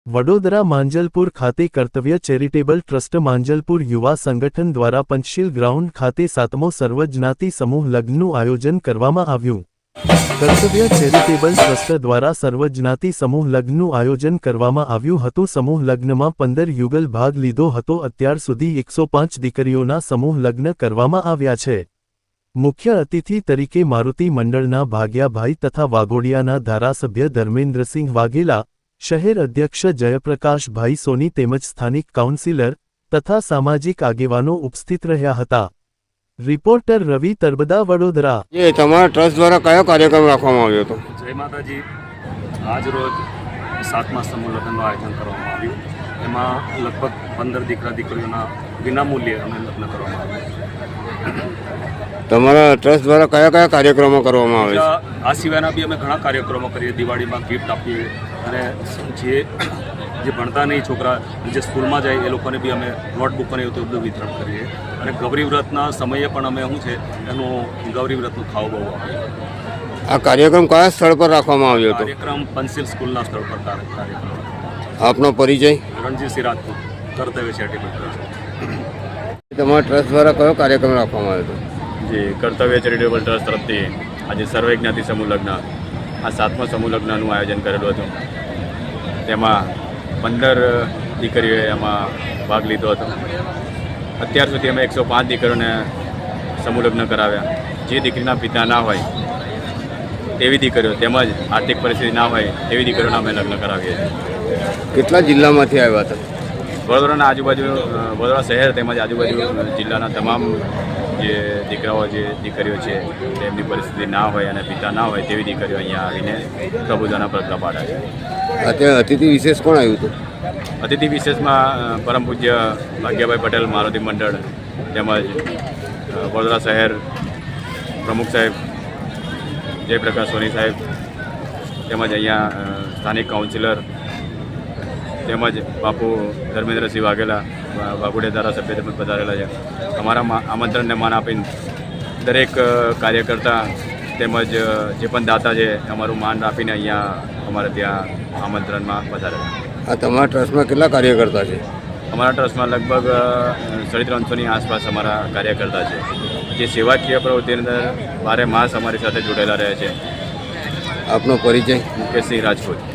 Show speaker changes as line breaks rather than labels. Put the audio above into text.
વડોદરા માંજલપુર ખાતે કર્તવ્ય charitable trust Manjalpur યુવા સંગઠન દ્વારા પંચશીલ ગ્રાઉન્ડ ખાતે 7મો સર્વજ્ઞાતિ સમૂહ લગ્નનું આયોજન કરવામાં આવ્યું। કર્તવ્ય ચેરિટેબલ ટ્રસ્ટ દ્વારા સર્વજ્ઞાતિ સમૂહ લગ્નનું આયોજન કરવામાં આવ્યું હતું। સમૂહ લગ્નમાં 15 યુગલ ભાગ લીધો હતો। અત્યાર સુધી 105 દીકરીઓના સમૂહ લગ્ન કરવામાં આવ્યા છે। મુખ્ય અતિથિ તરીકે મારુતિ મંડળના ભાગ્યાભાઈ તથા વાઘોડિયાના ધારાસભ્ય ધર્મેન્દ્રસિંહ વાઘેલા, શહેર અધ્યક્ષ જયપ્રકાશભાઈ સોની તેમજ સ્થાનિક કાઉન્સિલર તથા સામાજિક આગેવાનો ઉપસ્થિત રહ્યા હતા। રિપોર્ટર રવિ તરબદા, વડોદરા।
ये તમારા ટ્રસ્ટ દ્વારા કયો કાર્યક્રમ રાખવામાં આવ્યો હતો?
જય માતાજી। આજ રોજ 7મા સમૂહ લગ્નનું આયોજન કરવામાં આવ્યું। એમાં લગભગ 15 દીકરા દીકરીઓના વિનામૂલ્યે અમે લગ્ન કરવામાં આવ્યું।
તમારા ટ્રસ્ટ દ્વારા કયા કયા કાર્યક્રમો કરવામાં આવે છે?
આ સિવાયના બી અમે ઘણા કાર્યક્રમો કરીએ। દિવાળીમાં ગિફ્ટ આપીએ અને જે ભણતા નહીં છોકરા જે સ્કૂલમાં જાય એ લોકોને બી અમે નોટબુક અને એવું બધું વિતરણ કરીએ। અને ગૌરી વ્રતના સમયે પણ અમે શું છે એનું ગૌરી વ્રતનું ખાવું બહુ આવે।
આ કાર્યક્રમ કયા સ્થળ પર રાખવામાં આવ્યો હતો?
કાર્યક્રમ પંચશીલ સ્કૂલના સ્થળ પર કાર્યક્રમ।
આપનો પરિચય?
રણજીતસિંહ રાજપૂત, કર્તવ્ય ચેરિટેબલ ટ્રસ્ટ।
તમારા ટ્રસ્ટ દ્વારા કયો કાર્યક્રમ રાખવામાં આવ્યો હતો?
જે કર્તવ્ય ચેરિટેબલ ટ્રસ્ટ તરફથી આજે સર્વજ્ઞાતિ સમૂહ લગ્ન, આ 7મા સમૂહ લગ્નનું આયોજન કરેલું હતું। તેમાં 15 દીકરીઓએ એમાં ભાગ લીધો હતો। અત્યાર સુધી અમે 105 દીકરીઓને સમૂહ લગ્ન કરાવ્યા। જે દીકરીના પિતા ના હોય તેવી દીકરીઓ તેમજ આર્થિક પરિસ્થિતિ ના હોય તેવી દીકરીઓના અમે લગ્ન કરાવીએ છીએ।
કેટલા જિલ્લામાંથી આવ્યા હતા?
વડોદરાના આજુબાજુ, વડોદરા શહેર તેમજ આજુબાજુ જિલ્લાના તમામ જે દીકરાઓ, જે દીકરીઓ છે તેમની પરિસ્થિતિ ના હોય અને પિતા ના હોય તેવી દીકરીઓ અહીંયા આવીને પ્રભુતાના પગલાં પાડે છે।
અત્યારે અતિથિ વિશેષ કોણ આવ્યું હતું?
અતિથિ વિશેષમાં પરમ પૂજ્ય ભાગ્યાભાઈ પટેલ મારુતિ મંડળ તેમજ વડોદરા શહેર પ્રમુખ સાહેબ જયપ્રકાશ સોની સાહેબ તેમજ અહીંયા સ્થાનિક કાઉન્સિલર તેમજ બાપુ ધર્મેન્દ્રસિંહ વાઘેલા, વાઘોડિયા ધારાસભ્ય તેમજ પધારેલા છે। અમારા આમંત્રણને માન આપીને દરેક કાર્યકર્તા તેમજ જે પણ દાતા છે અમારું માન આપીને અહીંયા અમારે ત્યાં આમંત્રણમાં પધારેલા।
આ તમારા ટ્રસ્ટમાં કેટલા કાર્યકર્તા છે?
અમારા ટ્રસ્ટમાં લગભગ 350ની આસપાસ અમારા કાર્યકર્તા છે, જે સેવાકીય પ્રવૃત્તિની અંદર 12 માસ અમારી સાથે જોડાયેલા રહે છે।
આપનો પરિચય?
મુકેશસિંહ રાજપૂત।